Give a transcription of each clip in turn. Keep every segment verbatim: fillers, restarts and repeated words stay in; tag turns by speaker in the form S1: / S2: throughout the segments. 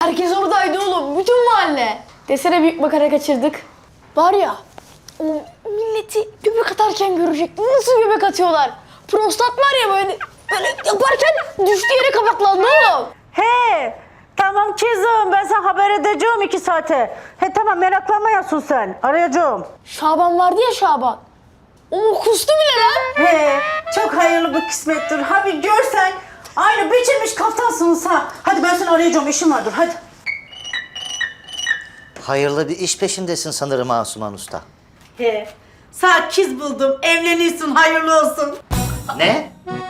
S1: Herkes oradaydı oğlum. Bütün mahalle. Desene büyük makara kaçırdık. Var ya o milleti göbek atarken görecek. Nasıl göbek atıyorlar? Prostat var ya böyle, böyle yaparken düştüğü yere kapaklandı oğlum.
S2: He, tamam kızım, ben sana haber edeceğim iki saate. He tamam, meraklanmayasın sen, arayacağım.
S1: Şaban vardı ya Şaban. O kustu bile lan.
S2: He, çok hayırlı bir kısmettir. Ha bir görsen, aynı biçilmiş kaftansınız ha. Hadi ben seni arayacağım, işim vardır, hadi.
S3: Hayırlı bir iş peşindesin sanırım Asuman Usta.
S2: He, sana kız buldum, evleniyorsun, hayırlı olsun.
S3: Ne?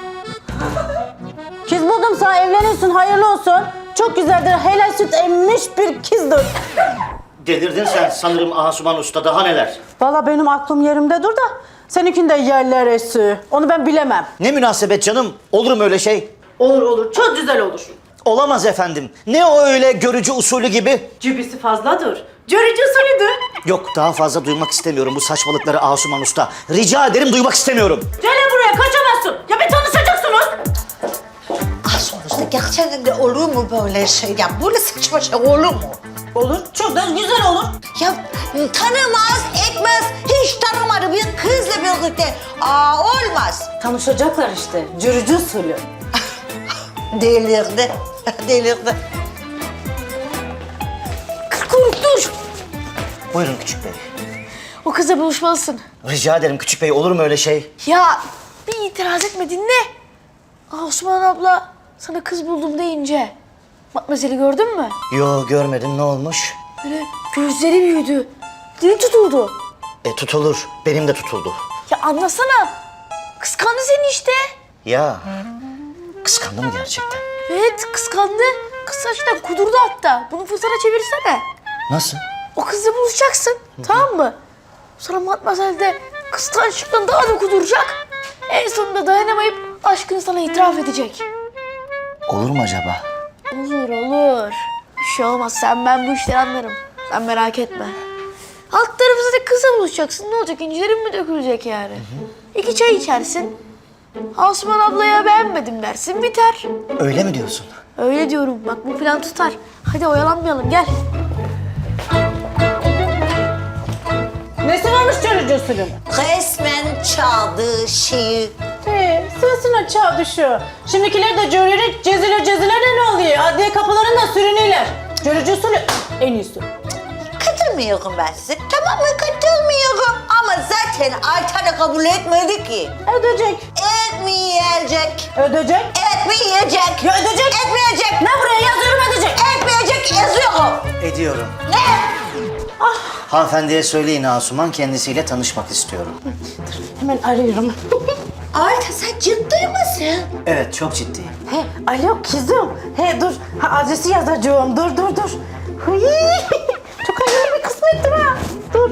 S2: Kız buldum sana, evleniyorsun, hayırlı olsun. Çok güzeldir, helal süt emmiş bir kızdır.
S3: Delirdin sen sanırım Asuman Usta, daha neler?
S2: Vallahi benim aklım yerimde dur da seninkinde yerler esi. Onu ben bilemem.
S3: Ne münasebet canım, olur mu öyle şey?
S2: Olur olur, çok güzel olur.
S3: Olamaz efendim. Ne o öyle görücü usulü gibi?
S2: Cübisi fazladır. Görücü usulüdür.
S3: Yok, daha fazla duymak istemiyorum bu saçmalıkları Asuman Usta. Rica ederim, duymak istemiyorum.
S2: Gel buraya, kaçamazsın. Ya bir tanışacaksınız.
S4: Ah sonuçta gerçekten de olur mu böyle şey? Ya böyle saçma şey olur mu?
S2: Olur, çok da güzel olur.
S4: Ya tanımaz, etmez, hiç tanımadı bir kızla birlikte. Aa olmaz.
S2: Tanışacaklar işte, görücü usulü.
S4: Delirdi, delirdi.
S1: Kuyruk dur.
S3: Buyurun küçük bey.
S1: O kızla buluşmalısın.
S3: Rica ederim küçük bey, olur mu öyle şey?
S1: Ya bir itiraz etme dinle. Aa, Osman abla sana kız buldum deyince Matmazel'i gördün mü?
S3: Yo, görmedim, ne olmuş?
S1: Böyle gözleri büyüdü. Dili tutuldu.
S3: E tutulur, benim de tutuldu.
S1: Ya anlasana. Kıskandı seni işte.
S3: Ya, kıskandı mı gerçekten?
S1: Evet kıskandı. Kız saçtan kudurdu hatta. Bunu fırsata çevirsene.
S3: Nasıl?
S1: O kızla buluşacaksın. Tamam mı? Sonra Matmazel de kıskançlıktan daha da kuduracak. En sonunda dayanamayıp aşkını sana itiraf edecek.
S3: Olur mu acaba?
S1: Olur olur. Bir şey olmaz. Sen ben bu işleri anlarım. Sen merak etme. Alt tarafı zaten kızla buluşacaksın. Ne olacak? İncilerin mi dökülecek yani? Hı hı. İki çay içersin. Asuman ablaya beğenmedim dersin. Biter.
S3: Öyle mi diyorsun?
S1: Öyle diyorum. Bak bu plan tutar. Hadi oyalanmayalım. Gel.
S2: Nesi varmış görücü usulü?
S4: Resmen çaldığı şeyi.
S2: He, sırasına çağ düşüyor. Şimdikiler de görerek ceziler ceziler de ne oluyor? Adliye kapılarında sürünüyorlar. Görücü usulü en iyisi.
S4: Katılmıyorum ben size. Tamam mı? Katılmıyorum. Ama zaten Ayten de kabul etmedi ki.
S2: Ödeyecek.
S4: Etmeyecek.
S2: Ödeyecek.
S4: Etmeyecek.
S2: Ya ödeyecek.
S4: Etmeyecek.
S2: Ne buraya yazıyorum, ödeyecek.
S4: Etmeyecek yazıyorum.
S3: Ediyorum.
S4: Ne?
S3: Hanımefendiye söyleyin, Asuman kendisiyle tanışmak istiyorum.
S2: Hemen arıyorum.
S4: Ayten sen ciddi misin?
S3: Evet, çok ciddiyim.
S2: He, alo kızım. He dur, ha, adresi yazacağım. Dur, dur, dur. Hıy, çok hayırlı bir kısmettir ha. Dur.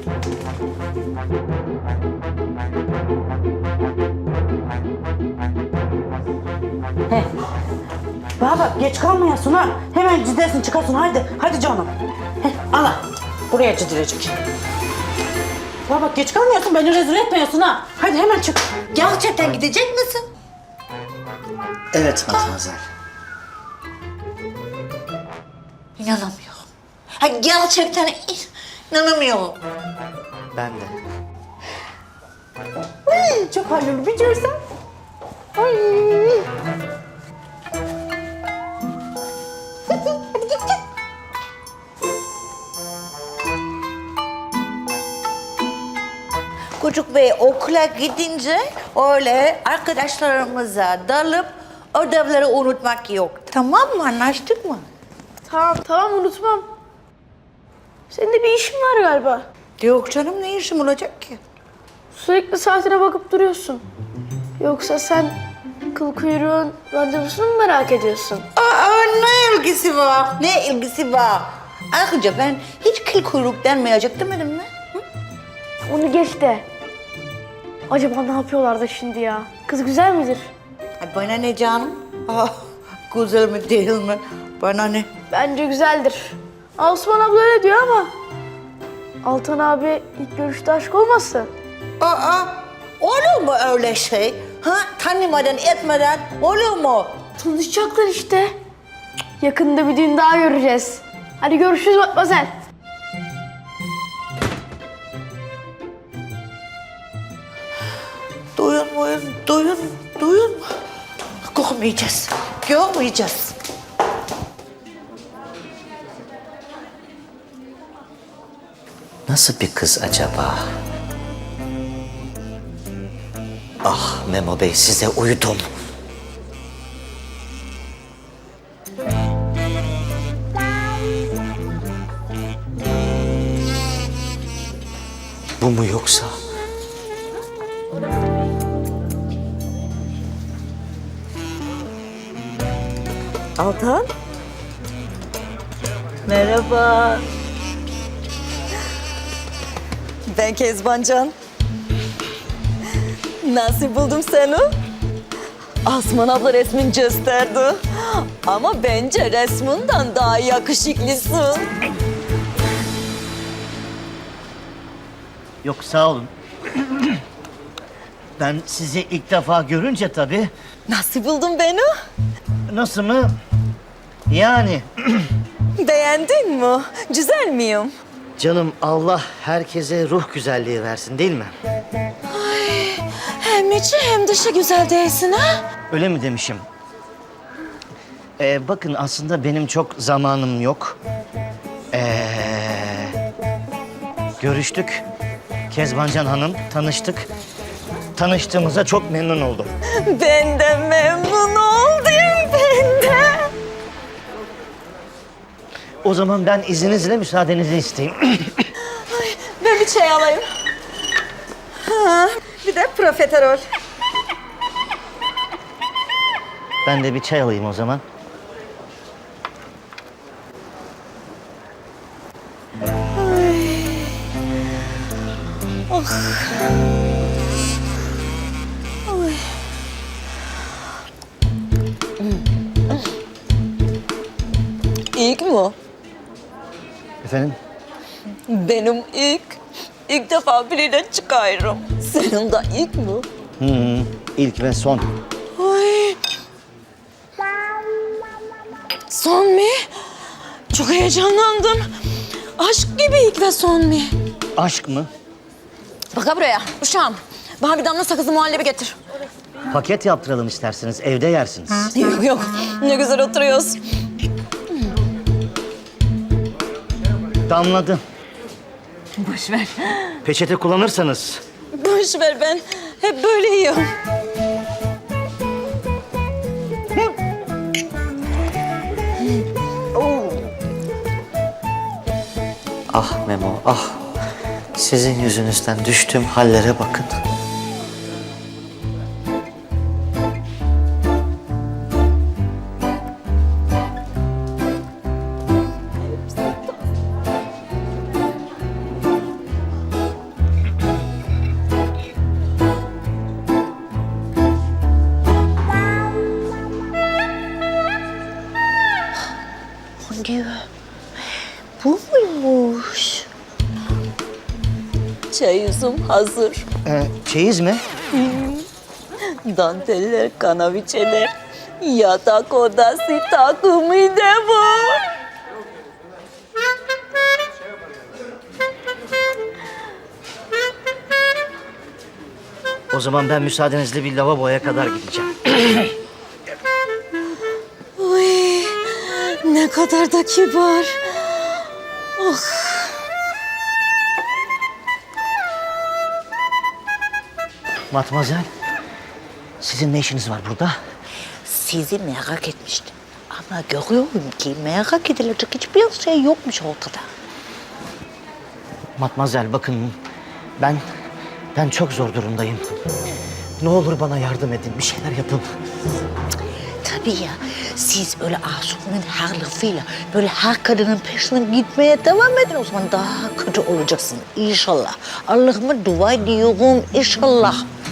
S2: He. Bana bak, geç kalmayasın ha. Hemen gidersin, çıkarsın. Haydi, hadi canım. He, ana. Buraya gidilecek. Bana bak, geç kalmıyorsun, beni rezil etmiyorsun ha. Hadi hemen çık.
S4: Gerçekten gidecek misin?
S3: Evet Matmazel.
S4: İnanamıyorum. Ha, gerçekten inanamıyorum.
S3: Ben de.
S2: Ay, çok hayırlı bir görsen. Ay. Hadi git git.
S4: Çocuk Bey okula gidince öyle arkadaşlarımıza dalıp ödevleri unutmak yok. Tamam mı? Anlaştık mı?
S1: Tamam tamam unutmam. Senin de bir işin var galiba.
S4: Yok canım, ne işim olacak ki?
S1: Sürekli saatine bakıp duruyorsun. Yoksa sen kıl kuyruğun randevusunu mu merak ediyorsun?
S4: Aa, ne ilgisi var? Ne ilgisi var? Ayrıca ben hiç kıl kuyruk denmeyecek demedim mi?
S1: Onu geç de. Acaba ne yapıyorlar da şimdi ya? Kız güzel midir?
S4: Ay, bana ne canım? Ah, güzel mi değil mi? Bana ne?
S1: Bence güzeldir. Osman abla öyle diyor ama Altan abi ilk görüşte aşk olmasın?
S4: Aa, olur mu öyle şey? Ha, tanımadan etmeden olur mu?
S1: Tanışacaklar işte. Yakında bir düğün daha göreceğiz. Hadi görüşürüz Matmazel.
S4: Duyun muyun? Duyun, duyun. Görmeyeceğiz, görmeyeceğiz.
S3: Nasıl bir kız acaba? Ah Memo Bey, size uydum. Bu mu yoksa?
S5: Altan. Merhaba. Ben Kezbancan. Nasıl buldum seni? Asman abla resmin gösterdi. Ama bence resminden daha yakışıklısın.
S3: Yok sağ olun. Ben sizi ilk defa görünce tabii.
S5: Nasıl buldun beni?
S3: Nasıl mı? Yani
S5: Beğendin mi? Güzel miyim?
S3: canım, Allah herkese ruh güzelliği versin değil mi?
S5: Hem içi hem dışı güzel değilsin ha?
S3: Öyle mi demişim? Ee, bakın aslında benim çok zamanım yok. Ee, görüştük. Kezbancan Hanım, tanıştık. Tanıştığımıza çok memnun oldum.
S5: Ben de memnun oldum, ben de.
S3: O zaman ben izninizle müsaadenizi isteyeyim.
S5: Ben bir çay alayım. Ha, bir de profiterol.
S3: Ben de bir çay alayım o zaman.
S5: İlk mi?
S3: Efendim?
S5: Benim ilk. İlk defa biriyle çıkıyorum. Senin de ilk mi?
S3: Hı hı. İlk ve son.
S5: Ay. Son mu? Çok heyecanlandım. Aşk gibi ilk ve son mu?
S3: Aşk mı?
S5: Bak buraya uşağım. Bana bir damla sakızlı muhallebi getir.
S3: Paket yaptıralım isterseniz. Evde yersiniz.
S5: Yok yok. Ne güzel oturuyoruz.
S3: Damladı.
S5: Boş ver.
S3: Peçete kullanırsanız.
S5: Boş ver, ben hep böyle yiyorum.
S3: Ah Memo, ah. Sizin yüzünüzden düştüğüm hallere bakın.
S4: Hangi? Bu muymuş?
S5: Çay yüzüm hazır.
S3: Ee, çeyiz mi?
S5: Danteller, kanaviçeler, yatak odası takımı da var.
S3: O zaman ben müsaadenizle bir lavaboya kadar gideceğim.
S5: Uy, ne kadar da kibar. Oh.
S3: Matmazel, sizin ne işiniz var burada?
S4: Sizi merak etmiştim. Ama görüyorum ki merak edilecek hiçbir şey yokmuş ortada.
S3: Matmazel bakın, ben ben çok zor durumdayım. Ne olur bana yardım edin, bir şeyler yapın.
S4: Tabii ya, siz öyle Asuman'ın her lafıyla böyle her kadının peşinden gitmeye devam edin. O zaman daha kötü olacaksın inşallah. Allah'ıma dua ediyorum inşallah.